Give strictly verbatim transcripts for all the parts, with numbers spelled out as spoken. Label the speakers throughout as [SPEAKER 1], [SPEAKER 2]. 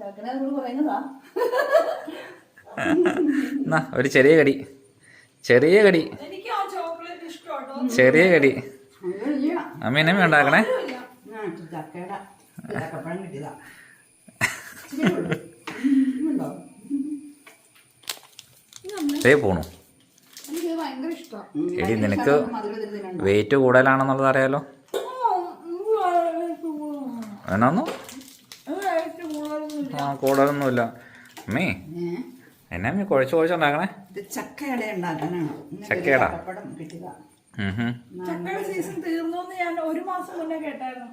[SPEAKER 1] ഒരു ചെറിയ കടി, ചെറിയ കടി, ചെറിയ കടി. അമ്മ എന്നെ ഉണ്ടാക്കണേ. ദേ പോണു. എടി നിനക്ക് വെയിറ്റ് കൂടുതലാണെന്നുള്ളത് അറിയാലോ. എന്നാന്നു ആ കൂടുതലൊന്നുമില്ല. അമ്മേ എന്നാ അമ്മ കുഴച്ച് കുഴച്ചുണ്ടാക്കണേ?
[SPEAKER 2] ചക്കയുടെ ഉണ്ടാക്കാനാണ്.
[SPEAKER 1] ചക്കയുടെ
[SPEAKER 3] സീസൺ തീർന്നോന്ന് ഞാൻ ഒരു മാസം മുന്നേ കേട്ടായിരുന്നു.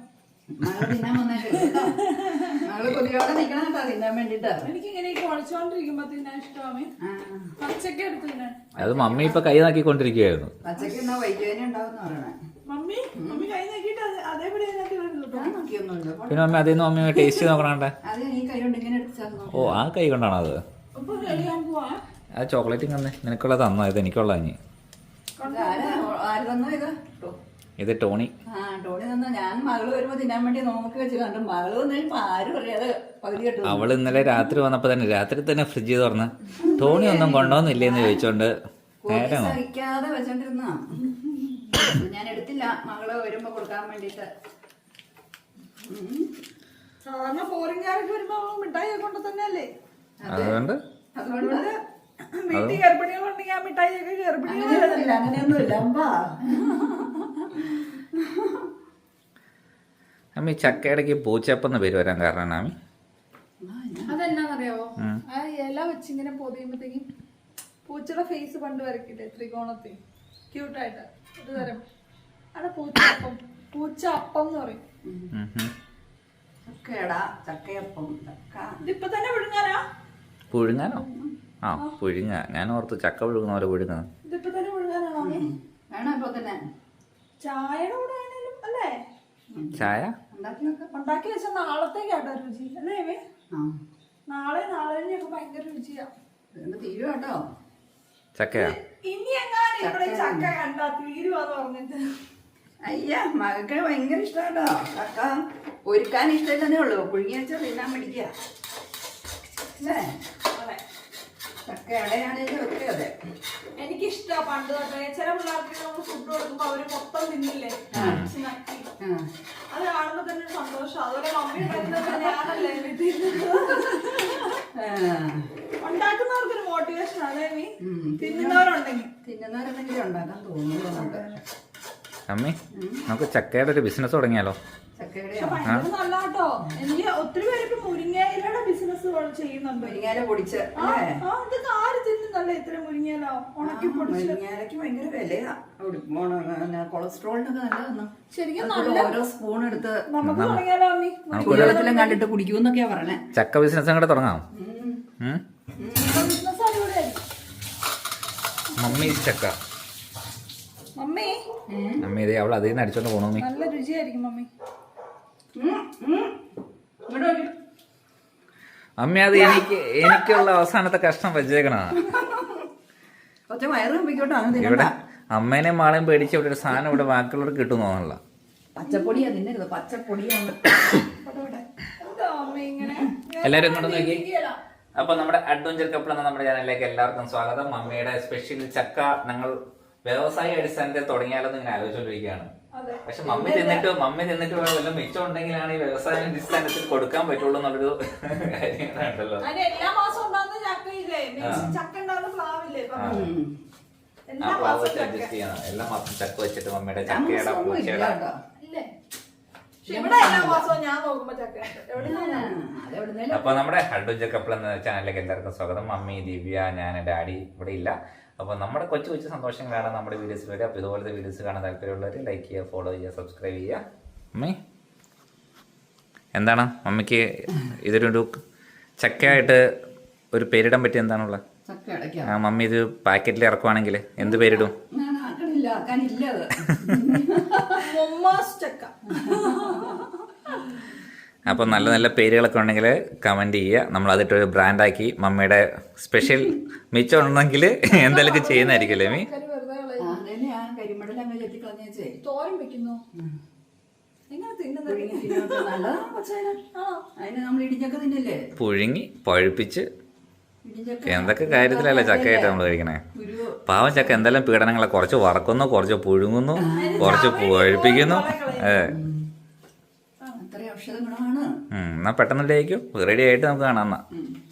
[SPEAKER 3] എനിക്കിങ്ങനെ കുഴച്ചോണ്ടിരിക്കുമ്പോ തിന്നാൻ ഇഷ്ടമാണ്. പച്ചക്ക എടുത്ത് തിന്നാൻ.
[SPEAKER 1] അത് മമ്മി ഇപ്പൊ കൈ നാക്കിക്കൊണ്ടിരിക്കുകയായിരുന്നു.
[SPEAKER 2] പച്ചക്ക് വൈദ്യുതി ഉണ്ടാവും പറയണേ.
[SPEAKER 3] മമ്മി മമ്മി കൈ നോക്കിട്ട് അതേപടി
[SPEAKER 1] പിന്നെ മമ്മി അതിൽ നിന്ന് മമ്മി ടേസ്റ്റ് നോക്കണേ. ഓ ആ കൈ കൊണ്ടാണോ അത്? അത് ചോക്ലേറ്റ് തന്നെ നിനക്കുള്ള തന്നോ? ഇത് എനിക്കുള്ള ഇനി. ഇത് ടോണി.
[SPEAKER 2] ആ ടോണി തന്ന. ഞാൻ മകള് വരുമ്പോ തിന്നാൻ വേണ്ടി നോക്കി വെച്ച് കണ്ടു. മകള് വന്നപ്പോ ആരും അറിയാതെ പകുതി കിട്ടും.
[SPEAKER 1] അവള് ഇന്നലെ രാത്രി വന്നപ്പോ തന്നെ രാത്രി തന്നെ ഫ്രിഡ്ജ് തുറന്ന് ടോണി ഒന്നും കൊണ്ടുവന്നില്ലേന്ന് ചോദിച്ചോണ്ട് നേരെ
[SPEAKER 2] സഹിക്കാതെ വെച്ചോണ്ടിരുന്ന. ഞാൻ എടുത്തില്ല മകള് വരുമ്പോ കൊടുക്കാൻ വേണ്ടിട്ട്.
[SPEAKER 3] സാധാരണ ഫോറിൻകാരൊക്കെ വരുമ്പോ മിഠായി കൊണ്ട് തന്നെയല്ലേ.
[SPEAKER 1] അതുകൊണ്ട്
[SPEAKER 2] അതുകൊണ്ട്
[SPEAKER 3] വീട്ടിൽ ഗർഭിണികളുണ്ടെങ്കിൽ ആ മിഠായി ഒക്കെ ഗർഭിണികളില്ല.
[SPEAKER 2] അങ്ങനെയൊന്നുമില്ല.
[SPEAKER 1] അമ്മി ചക്കയിടയ്ക്ക് പൂച്ചപ്പെന്ന് പേര് വരാൻ കാരണം അമ്മി
[SPEAKER 3] അതെന്നാന്നറിയാവോ? ആ ഇല വെച്ചിങ്ങനെ പൊതിയുമ്പത്തേക്കും പൂച്ചയുടെ ഫേസ് പണ്ട് വരക്കില്ലേ ത്രികോണത്തിൽ ക്യൂട്ടായിട്ട് ഒരു തരം. അവിടെ പൂച്ചപ്പം, പൂച്ച അപ്പം എന്ന് പറയും.
[SPEAKER 2] ചക്കയടാ ചക്കയപ്പം.
[SPEAKER 3] ഇതിപ്പൊ തന്നെ വിഴുങ്ങാനാ?
[SPEAKER 1] പുഴുങ്ങാനോ? ആ പുഴുങ്ങ. ഞാൻ ഓർത്ത് ചക്ക പുഴുങ്ങുന്ന പോലെ പുഴുങ്ങ.
[SPEAKER 3] ഇതിപ്പൊ തന്നെ വിഴുങ്ങാനാണോ?
[SPEAKER 2] വേണം ഇപ്പൊ തന്നെ.
[SPEAKER 3] ചായയുടെ കൂടെ ആണെങ്കിലും അല്ലേ?
[SPEAKER 1] ചായ
[SPEAKER 3] ഉണ്ടാക്കി വെച്ച നാളത്തേക്കാട്ടോ രുചി അല്ലേ? നാളെ നാളെ കഴിഞ്ഞൊക്കെ ഭയങ്കര രുചിയാ.
[SPEAKER 2] തീരുവാട്ടോ
[SPEAKER 1] ചക്കയാ.
[SPEAKER 3] ഇനി എങ്ങാനും ഇവിടെ ചക്ക കണ്ടാ തീരുവാന്ന് പറഞ്ഞിട്ട്.
[SPEAKER 2] അയ്യ മകൾക്ക് ഭയങ്കര ഇഷ്ടാട്ടോ ചക്ക. ഒരുക്കാൻ ഇഷ്ടമില്ലെന്നേ ഉള്ളൂ. പുഴുങ്ങി വെച്ചാൽ തിന്നാൻ പിടിക്കുക അല്ലേ? ചക്ക ഇടയാണെങ്കിലും ഒക്കെ അതെ.
[SPEAKER 3] എനിക്കിഷ്ടാ പണ്ട് തൊട്ടേ. ചില പിള്ളേർക്ക് നമ്മൾ ഫുഡ് കൊടുക്കുമ്പോ അവര് മൊത്തം തിന്നില്ലേ, അത് കാണുമ്പോ തന്നെ ഒരു സന്തോഷം. അതുപോലെ മമ്മി ഞാനല്ലേ ഉണ്ടാക്കുന്നവർക്കൊരു മോട്ടിവേഷൻ. അതേ നീ തിന്നുന്നവരുണ്ടെങ്കിൽ
[SPEAKER 2] തിന്നുന്നവരുണ്ടെങ്കിലും ഉണ്ടാക്കാൻ തോന്നുന്നുണ്ട്.
[SPEAKER 1] അമ്മി നമുക്ക് ചക്കയുടെ ഒരു ബിസിനസ് തുടങ്ങിയാലോ?
[SPEAKER 3] നല്ലാട്ടോ. എനിക്ക് ഒത്തിരി പേര് ഇപ്പൊ മുരിങ്ങയിലയുടെ ബിസിനസ് ചെയ്യുന്നുണ്ട്.
[SPEAKER 2] മുരിങ്ങയില പൊടിച്ച്
[SPEAKER 3] ഇതൊക്കെ ആര് തിന്നുന്നല്ലേ ഇത്ര മുരിങ്ങയില ഉണക്കി പൊടിച്ച്?
[SPEAKER 2] മുരിങ്ങയിലക്ക് ഭയങ്കര വിലയാ. കൊളസ്ട്രോളിനൊക്കെ നല്ലതാണ്.
[SPEAKER 3] ശരിക്കും
[SPEAKER 2] ഓരോ സ്പൂൺ എടുത്ത്
[SPEAKER 3] നമുക്ക് തുടങ്ങിയാലോ അമ്മി?
[SPEAKER 2] കുടിവെള്ളത്തിലും കണ്ടിട്ട് കുടിക്കൂന്നൊക്കെയാ പറഞ്ഞേ.
[SPEAKER 1] ചക്ക ബിസിനസ് കൂടെ തുടങ്ങാം.
[SPEAKER 3] ബിസിനസ് അടിപൊളിയായിരിക്കും.
[SPEAKER 1] മമ്മി ചക്ക
[SPEAKER 3] മമ്മി
[SPEAKER 1] മമ്മി ഇതേ അവൾ അതിൽ നിന്ന് അടിച്ചോണ്ട് പോണു. മമ്മി
[SPEAKER 3] നല്ല രുചിയായിരിക്കും മമ്മി.
[SPEAKER 1] അമ്മ അത് എനിക്ക് എനിക്കുള്ള അവസാനത്തെ കഷ്ണം വെച്ചേക്കണ. ഇവിടെ അമ്മേനെ മാളെയും പേടിച്ച് ഇവിടെ ഒരു സാധനം ഇവിടെ ബാക്കിയുള്ളവർക്ക് കിട്ടും തോന്നല്ല.
[SPEAKER 2] പച്ചപ്പൊടിയാ തിന്നരുത്. പച്ചപ്പൊടിയാണ്.
[SPEAKER 1] എല്ലാരും ഇങ്ങോട്ട് നോക്കി. അപ്പൊ നമ്മുടെ അഡ്വഞ്ചർ കപ്പിൾ എന്ന നമ്മുടെ ചാനലിലേക്ക് എല്ലാവർക്കും സ്വാഗതം. മമ്മിയുടെ സ്പെഷ്യൽ ചക്ക ഞങ്ങൾ വ്യവസായ അടിസ്ഥാനത്തിൽ തുടങ്ങിയാലെന്ന് ഇങ്ങനെ ആലോചിച്ചുകൊണ്ടിരിക്കുകയാണ്. പക്ഷെ മമ്മി തിന്നിട്ട് മമ്മി തിന്നിട്ട് വല്ലതും മിച്ചം ഉണ്ടെങ്കിലാണ് ഈ വ്യവസായ അടിസ്ഥാനത്തിൽ കൊടുക്കാൻ പറ്റുള്ളൂ എന്നുള്ളൊരു കാര്യങ്ങളുണ്ടല്ലോ. ആ പ്ലാവ് വെച്ച് അഡ്ജസ്റ്റ് ചെയ്യണം. എല്ലാ മാസം ചക്ക വെച്ചിട്ട് മമ്മിയുടെ ചക്കയുടെ പൂച്ചയുടെ. അപ്പൊ നമ്മുടെ അഡ്വഞ്ചർ കപ്പിൾ എന്ന ചാനലിലേക്ക് എല്ലാവർക്കും സ്വാഗതം. മമ്മി, ദിവ്യ, ഞാൻ, ഡാഡി ഇവിടെ ഇല്ല. അപ്പോൾ നമ്മുടെ കൊച്ചു കൊച്ചു സന്തോഷങ്ങളാണ് നമ്മുടെ വീഡിയോസിൽ വരിക. അപ്പോൾ ഇതുപോലത്തെ വീഡിയോസ് കാണാൻ താല്പര്യമുള്ളവർ ലൈക്ക് ചെയ്യുക, ഫോളോ ചെയ്യുക, സബ്സ്ക്രൈബ് ചെയ്യുക. മമ്മി എന്താണ് മമ്മിക്ക് ഇതൊരു ചക്കയായിട്ട് ഒരു പേരിടാൻ പറ്റിയ എന്താണുള്ളത്? ആ മമ്മി ഇത് പാക്കറ്റിൽ ഇറക്കുവാണെങ്കിൽ എന്ത് പേരിടും? അപ്പോൾ നല്ല നല്ല പേരുകളൊക്കെ ഉണ്ടെങ്കിൽ കമൻറ്റ് ചെയ്യുക. നമ്മൾ അതിട്ടൊരു ബ്രാൻഡാക്കി മമ്മിയുടെ സ്പെഷ്യൽ മിച്ചം ഉണ്ടെങ്കിൽ എന്തെങ്കിലുമൊക്കെ ചെയ്യുന്നതായിരിക്കും. മീ
[SPEAKER 3] എങ്ങനെ തിന്നുന്നത്?
[SPEAKER 2] പുഴുങ്ങി തിന്നോട്ട് നല്ലതാണ് കൊച്ചേന. അതിന് നമ്മൾ ഇടിച്ചക്ക തിന്നില്ലേ?
[SPEAKER 1] പുഴുങ്ങി പഴുപ്പിച്ച്
[SPEAKER 2] ഇടിച്ചക്ക
[SPEAKER 1] എന്തൊക്കെ കാര്യത്തിലല്ലേ ചക്കയായിട്ട് നമ്മൾ കഴിക്കണേ.
[SPEAKER 2] കുരു
[SPEAKER 1] പാവം ചക്ക എന്തെല്ലാം പീഡനങ്ങളെ കുറച്ച് വറക്കുന്നു, കുറച്ച് പുഴുങ്ങുന്നു, കുറച്ച് പഴുപ്പിക്കുന്നു. അതെ.
[SPEAKER 2] അത്ര ഔഷധ ഗുണമാണ്.
[SPEAKER 1] എന്നാ പെട്ടെന്ന് റെഡി ആയിട്ട് നമുക്ക് കാണാം എന്നാ.
[SPEAKER 2] ഉം.